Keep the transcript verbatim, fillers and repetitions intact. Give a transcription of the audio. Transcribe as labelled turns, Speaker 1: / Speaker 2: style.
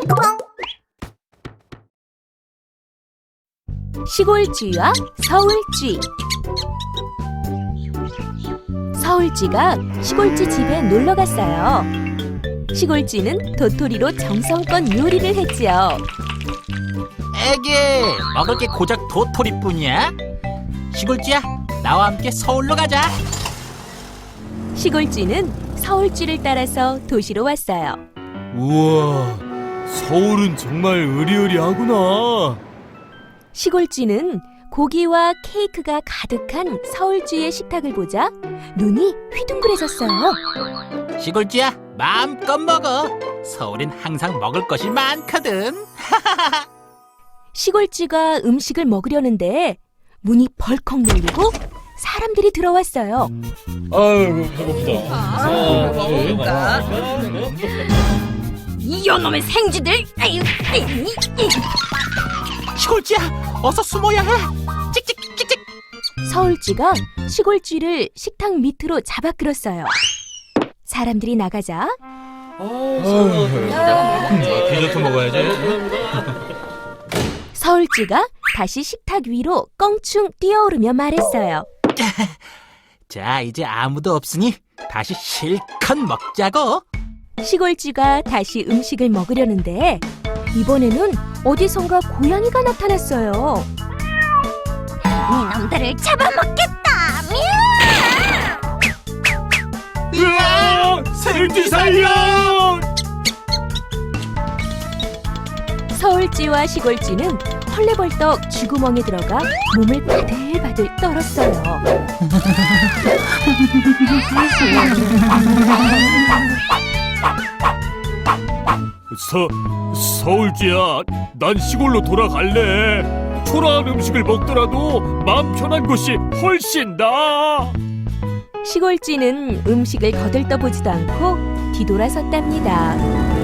Speaker 1: 시골쥐와 서울쥐. 서울쥐가 시골쥐 집에 놀러 갔어요. 시골쥐는 도토리로 정성껏 요리를 했지요.
Speaker 2: 에게, 먹을 게 고작 도토리뿐이야? 시골쥐야, 나와 함께 서울로 가자.
Speaker 1: 시골쥐는 서울쥐를 따라서 도시로 왔어요.
Speaker 3: 우와, 서울은 정말 으리으리하구나.
Speaker 1: 시골쥐는 고기와 케이크가 가득한 서울쥐의 식탁을 보자 눈이 휘둥그레졌어요.
Speaker 2: 시골쥐야, 마음껏 먹어. 서울엔 항상 먹을 것이 많거든.
Speaker 1: 시골쥐가 음식을 먹으려는데 문이 벌컥 열리고 사람들이 들어왔어요.
Speaker 3: 아유, 배고프다.
Speaker 4: 아, 먹을까?
Speaker 1: 이놈의 생쥐들! 아유,
Speaker 2: 시골쥐야, 어서 숨어야 해. 찍찍찍찍.
Speaker 1: 서울쥐가 시골쥐를 식탁 밑으로 잡아 끌었어요. 사람들이 나가자
Speaker 3: 디저트 먹어야지.
Speaker 1: 서울쥐가 다시 식탁 위로 껑충 뛰어오르며 말했어요.
Speaker 2: 자, 이제 아무도 없으니 다시 실컷 먹자고.
Speaker 1: 시골쥐가 다시 음식을 먹으려는데 이번에는 어디선가 고양이가 나타났어요. 이놈들을 잡아먹겠다!
Speaker 3: 으아! 서울쥐 살려!
Speaker 1: 서울쥐와 시골쥐는 헐레벌떡 쥐구멍에 들어가 몸을 바들바들 떨었어요.
Speaker 3: 서, 서울쥐야, 난 시골로 돌아갈래. 초라한 음식을 먹더라도 마음 편한 곳이 훨씬 나아.
Speaker 1: 시골쥐는 음식을 거들떠보지도 않고 뒤돌아섰답니다.